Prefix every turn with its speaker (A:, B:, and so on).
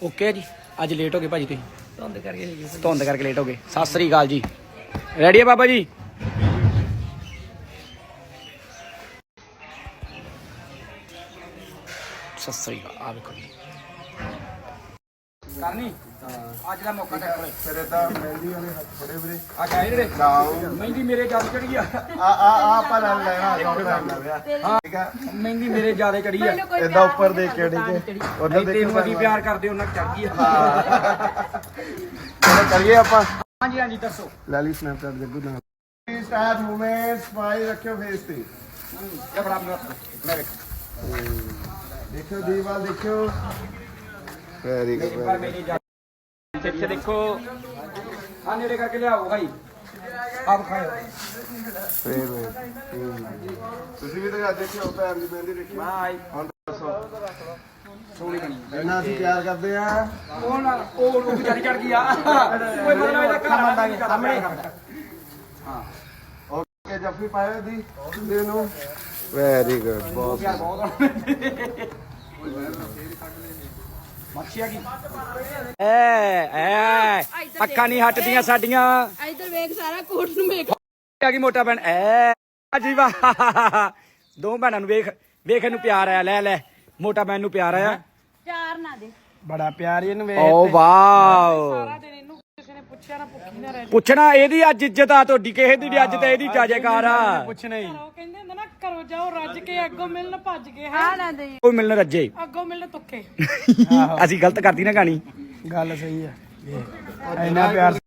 A: Okay ਜੀ ਅੱਜ late ਹੋ ਗਏ ਭਾਜੀ ਤੁਸੀਂ ਧੁੰਦ ਕਰਕੇ ਲੇਟ ਹੋ ਗਏ। ਸਤਿ ਸ੍ਰੀ ਅਕਾਲ ਜੀ। ਰੈਡੀ ਹੈ ਬਾਬਾ ਜੀ? ਸਤਿ ਸ੍ਰੀ ਅਕਾਲ। ਆ ਵੇਖੋ ਜੀ ਕਰਨੀ ਅੱਜ ਦਾ ਮੌਕਾ ਟੱਕ
B: ਤੇਰੇ ਤਾਂ ਮਹਿੰਦੀ ਵਾਲੇ ਹੱਥ ਫੜੇ ਵੀਰੇ
A: ਆ ਗਏ ਜਿਹੜੇ
B: ਲਾਓ
A: ਮਹਿੰਦੀ ਮੇਰੇ ਜ਼ਿਆਦਾ ਚੜੀ ਆ।
B: ਆਪਾਂ ਨਾਲ ਲੈਣਾ ਠੀਕ ਆ
A: ਮਹਿੰਦੀ ਮੇਰੇ ਜ਼ਿਆਦਾ ਚੜੀ ਆ।
B: ਇਦਾਂ ਉੱਪਰ ਦੇਖ ਕੇ ਠੀਕ ਉਧਰ
A: ਤੈਨੂੰ
B: ਦੇਖੋ
A: ਅਸੀਂ ਪਿਆਰ ਕਰਦੇ ਉਹਨਾਂ ਚੜ ਗਈ ਆ।
B: ਚਲੋ ਕਰੀਏ ਆਪਾਂ।
A: ਹਾਂਜੀ ਹਾਂਜੀ ਦੱਸੋ।
B: ਲੈ ਲਈ ਸਨੈਪਚੈਟ ਜੱਗੂ ਨਾਲ ਸਟਾਰਟ ਮੂਵਮੈਂਟ ਸਮਾਈਲ ਰੱਖਿਓ ਫੇਸ ਤੇ
A: ਇਹ ਬੜਾ ਮੈਂ ਵੇਖ
B: ਦੇਖਿਓ ਦੀਵਾਲ ਦੇਖਿਓ ਵੈਰੀ ਗੁੱਡ
A: ਪਰ ਮੇਰੀ ਜ਼ਿਆਦਾ ਇੱਥੇ ਦੇਖੋ ਆ ਨੇੜੇ ਕਰਕੇ ਲਿਆਓ ਭਾਈ ਆਪ ਖਾਓ।
B: ਫੇਰ ਤੁਸੀਂ ਵੀ ਤਾਂ ਦੇਖਿਓ ਭੈਣ ਦੀ ਮਹਿੰਦੀ ਦੇਖੀ
A: ਬਾਈ
B: ਹੁਣ ਦੱਸੋ
A: ਸੋਹਣੀ ਬਣੀ
B: ਇੰਨਾ ਅਸੀਂ ਪਿਆਰ ਕਰਦੇ ਆ
A: ਉਹ ਵਿਚਾਰੀ ਚੜ ਗਈ ਆ। ਕੋਈ ਮਤਲਬ ਇਹਦਾ ਘਰ ਮੰਦਾਂਗੇ ਸਾਹਮਣੇ। ਹਾਂ
B: ਓਕੇ ਜੱਫੀ ਪਾਇਓ ਦੀ ਦੇ ਨੂੰ ਵੈਰੀ ਗੁੱਡ ਬਹੁਤ
A: ਪਿਆਰ ਬਹੁਤ ਮੱਛੀਆ ਕੀ ਐ ਅੱਖਾਂ ਨਹੀਂ ਹਟਦੀਆਂ ਸਾਡੀਆਂ।
C: ਇੱਧਰ ਵੇਖ ਸਾਰਾ ਕੋਟ ਨੂੰ ਵੇਖ
A: ਆ ਗਈ ਮੋਟਾ ਭੈਣ ਐ ਜੀ ਵਾਹ ਦੋ ਭੈਣਾਂ ਨੂੰ ਵੇਖ ਵੇਖ ਇਹਨੂੰ ਪਿਆਰ ਆਇਆ। ਲੈ ਲੈ ਮੋਟਾ ਭੈਣ ਨੂੰ ਪਿਆਰ ਆਇਆ।
C: ਚਾਰ ਨਾ ਦੇ
B: ਬੜਾ ਪਿਆਰ ਇਹਨੂੰ ਵੇਖ
A: ਓ ਵਾਓ
C: ਸਾਰਾ ਦਿਨ ਇਹਨੂੰ ਕਿਸੇ ਨੇ ਪੁੱਛਿਆ ਨਾ ਭੁੱਖੀ ਨਾ ਰਹਿ
A: ਪੁੱਛਣਾ ਇਹਦੀ ਅੱਜ ਇੱਜ਼ਤ ਆ ਤੁਹਾਡੀ ਕਿਸੇ ਦੀ ਨੀ। ਅੱਜ ਤਾਂ ਇਹਦੀ ਜਾਜੇਕਾਰ ਆ।
B: ਪੁੱਛਣਾ ਹੀ
C: ਉਹ ਕਹਿੰਦੇ ਹੁੰਦੇ ਨਾ ਘਰੋਂ ਜਾਓ ਰੱਜ ਕੇ ਅੱਗੋਂ ਮਿਲਣ ਭੱਜ ਕੇ ਹਾਂ ਨਾ ਦੇ
A: ਕੋਈ ਮਿਲਣ ਰੱਜੇ
C: ਅੱਗੋਂ ਮਿਲਣ ਤੁੱਕੇ
A: ਅਸੀਂ ਗਲਤ ਕਰਦੀ ਨਾ ਕਹਾਣੀ।
B: ਗੱਲ ਸਹੀ ਹੈ ਇੰਨਾ ਪਿਆਰ